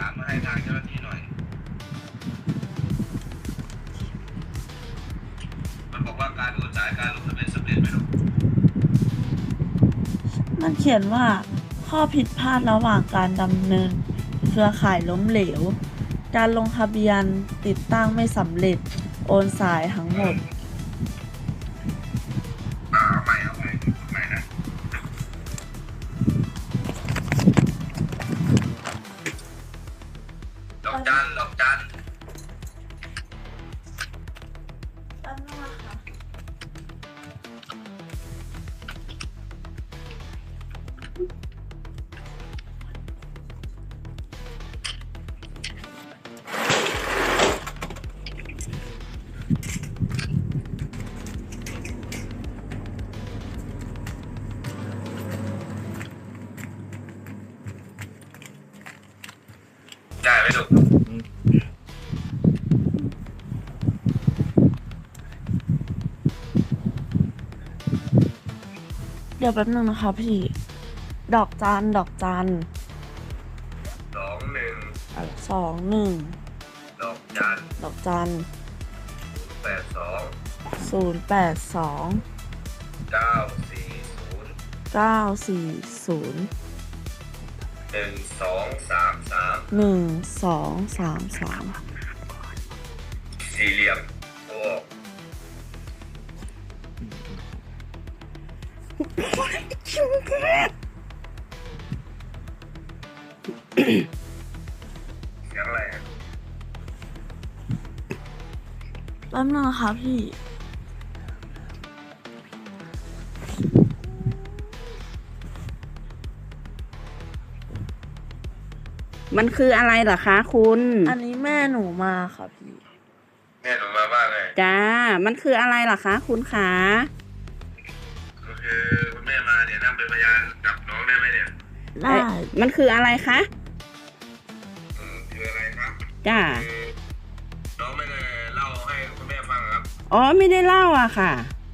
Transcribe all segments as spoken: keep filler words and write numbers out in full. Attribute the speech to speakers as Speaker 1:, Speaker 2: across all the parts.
Speaker 1: ามมาให้ทางเจ้าหน้าที่หน่อยมันบอกว่าการโอนจ่ายการลงทะเบียนสำเร็จไหมลูก
Speaker 2: มันเขียนว่าข้อผิดพลาดระหว่างการดำเนินเครือข่ายล้มเหลวการลงทะเบียนติดตั้งไม่สำเร็จโอนสายทั้งหมด
Speaker 1: เอาใหม่เอาใหม่ใหม่นะดอกจันดอกจัน
Speaker 2: แป๊บนึงนะคะ
Speaker 1: ได้ไหมลูก
Speaker 2: เดี๋ยวแป๊บนึงนะคะพี่ดอกจันดอกจัน
Speaker 1: สองหนึ่ง
Speaker 2: สองหนึ่ง
Speaker 1: ดอกจัน
Speaker 2: ดอกจัน
Speaker 1: แปดสอง
Speaker 2: ศูนย์แปดสอง
Speaker 1: เก้าสี่ศูนย์
Speaker 2: เก้าสี่ศูนย์
Speaker 1: หนึ่งสองสามสาม
Speaker 2: หนึ่งสองสามสาม
Speaker 1: สี่เหลี่ยมโอ้เสียงอะไรอ่ะ
Speaker 2: แป๊บนึงนะคะพี่
Speaker 3: มันคืออะไรเหรอคะคุณ
Speaker 2: อันนี้แม่หนูมาค่ะพี่
Speaker 1: แม่หนูมาว่าไง
Speaker 3: จ้ามันคืออะไรเหรอคะคุณขา
Speaker 1: ก็คือคุณแม่มาเนี่ยนั่งเป็นพยานกับน้องได้ไหมเนี่ย
Speaker 2: ได้
Speaker 3: มันคืออะไรคะ
Speaker 1: เออคืออะไรครับ
Speaker 3: จ้า
Speaker 1: คือน้องไม่ได้เล่าให้คุณแม่ฟังครับ
Speaker 3: อ๋อไม่ได้เล่าอะค่ะ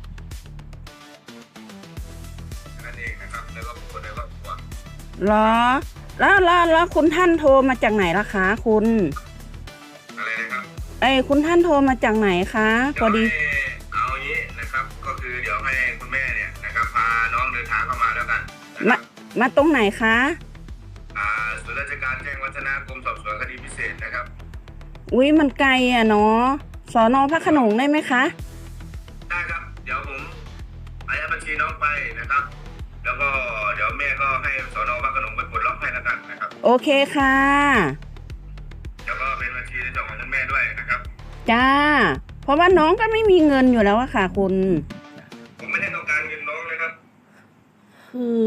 Speaker 1: นั่นเองนะครับแล้วก็คนในครอบครัว
Speaker 3: เหรอแล้วแล้วแล้วคุณท่านโทรมาจากไหนล่ะคะคุณ
Speaker 1: อะไรนะครับ
Speaker 3: เอ้ยคุณท่านโทรมาจากไหนคะพอดี
Speaker 1: เอาอย่างนี้นะครับก็คือเดี๋ยวให้คุณแม่เนี่ยนะครับพาน้องเดินทางเข้ามาแล้วกัน
Speaker 3: มามาตรงไหนคะ
Speaker 1: อ่าศูนย์ราชการแจ้งวัฒนะกรมสอบสวนคดีพิเศษนะครับ
Speaker 3: อุ้ยมันไกลอะเนาะสน.พระโขนงได้ไหมคะ
Speaker 1: ได้ครับเดี๋ยวผมอายัดบัญชีน้องไปนะครับแล้วก็เดี๋ยวแม่ก็ให้สน.พระโขนงไปปลดล็อกให้แล้วกันนะครับ
Speaker 3: โอเคค่ะ
Speaker 1: แล้วก็เป็นบัญชีในส่วนของคุณแม่ด้วยนะครับ
Speaker 3: จ้าเพราะว่าน้องก็ไม่มีเงินอยู่แล้วอะค่ะคุณ
Speaker 1: ผมไม่ได้ต้องการเงินน้องเลยครับ
Speaker 2: คือ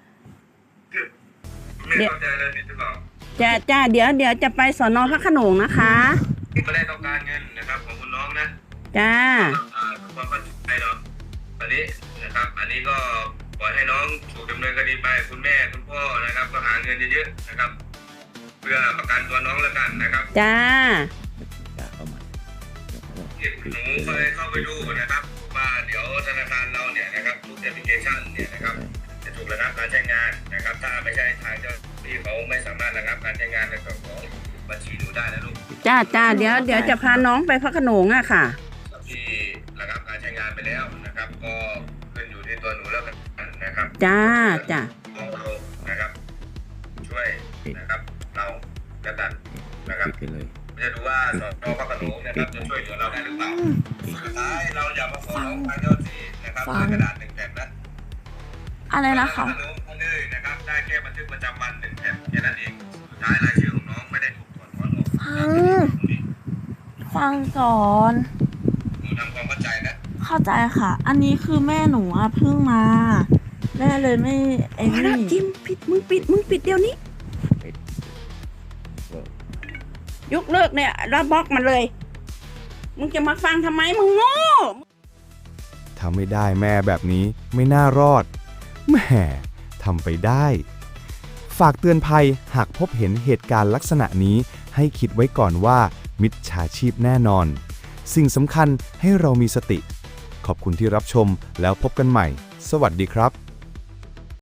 Speaker 1: ไม่เข้าใจเลยผิดหรือเปล่า
Speaker 3: จ้าจ้าเดี๋ยวเดี๋ยวจะไปสน.พระโขนงนะคะ
Speaker 1: ไม่ได้ต้องการเงินนะครับของคุณน้องนะ
Speaker 3: จ้า
Speaker 1: อ่าความเข้าใจเนาะตอนนี้นะครับอันนี้ก็ปล่อยให้น้องถูกดำเนินคดีไปคุณแม่คุณพ่อนะครับก็หาเงินเยอะๆนะครับเพื่อประกันตัวน้องแล้วกันนะครับ
Speaker 3: จ้า
Speaker 1: หนูเคยเข้าไปดูนะครับว่าเดี๋ยวธนาคารเราเนี่ยนะครับทุกแอปพลิเคชันเนี่ยนะครับจะถูกระงับการใช้งานนะครับถ้าไม่ใช่ทางเจ้าที่เขาไม่สามารถระงับการใช้งานในส่วนของบัญชีหนูได้นะลูก
Speaker 3: จ้าจ้าเดี๋ยวเดี๋ยวจะพาน้องไปพระโขนงอะค่ะ
Speaker 1: ที่ระงับการใช้งานไปแล้วนะครับก็ขึ้นอยู่ที่ตัวหนูแล้วกันนะครับ
Speaker 3: จ้าจ้า
Speaker 1: เรานะครับช่วยนะครับเราแล้วกันนะครับจะดูว่าสน.พระโขนงนะครับจะช่วยเหลือเราได้หรือเปล่าสุดท้ายเราอย่ามาฟ้องทางเจ้าที่นะครับในกระดาษหนึ่งแผ่นนะ
Speaker 2: อะไรนะคะ
Speaker 1: พระโขนงท่านเลยนะครับได้แค่บันทึกประจำวันหนึ่งแผ่นแค่นั้นเองสุดท้ายรายชื่อของน้องไม่ได้ถูกถอดถอนออก
Speaker 2: ฟังฟังก่อน
Speaker 1: หนูทำความเข้าใจนะ
Speaker 2: เข้าใจค่ะอันนี้คือแม่หนูอะเพิ่งมาแม่เลยไม่ไอ้นี่
Speaker 3: จิมปิดมึงปิดมึงปิดเดี๋ยวนี้ยกเลิกเนี่ยแล้วบล็อกมันเลยมึงจะมาฟังทำไมมึงโง่
Speaker 4: ทำไม่ได้แม่แบบนี้ไม่น่ารอดแหมทำไปได้ฝากเตือนภัยหากพบเห็นเหตุการณ์ลักษณะนี้ให้คิดไว้ก่อนว่ามิจฉาชีพแน่นอนสิ่งสำคัญให้เรามีสติขอบคุณที่รับชมแล้วพบกันใหม่สวัสดีครับ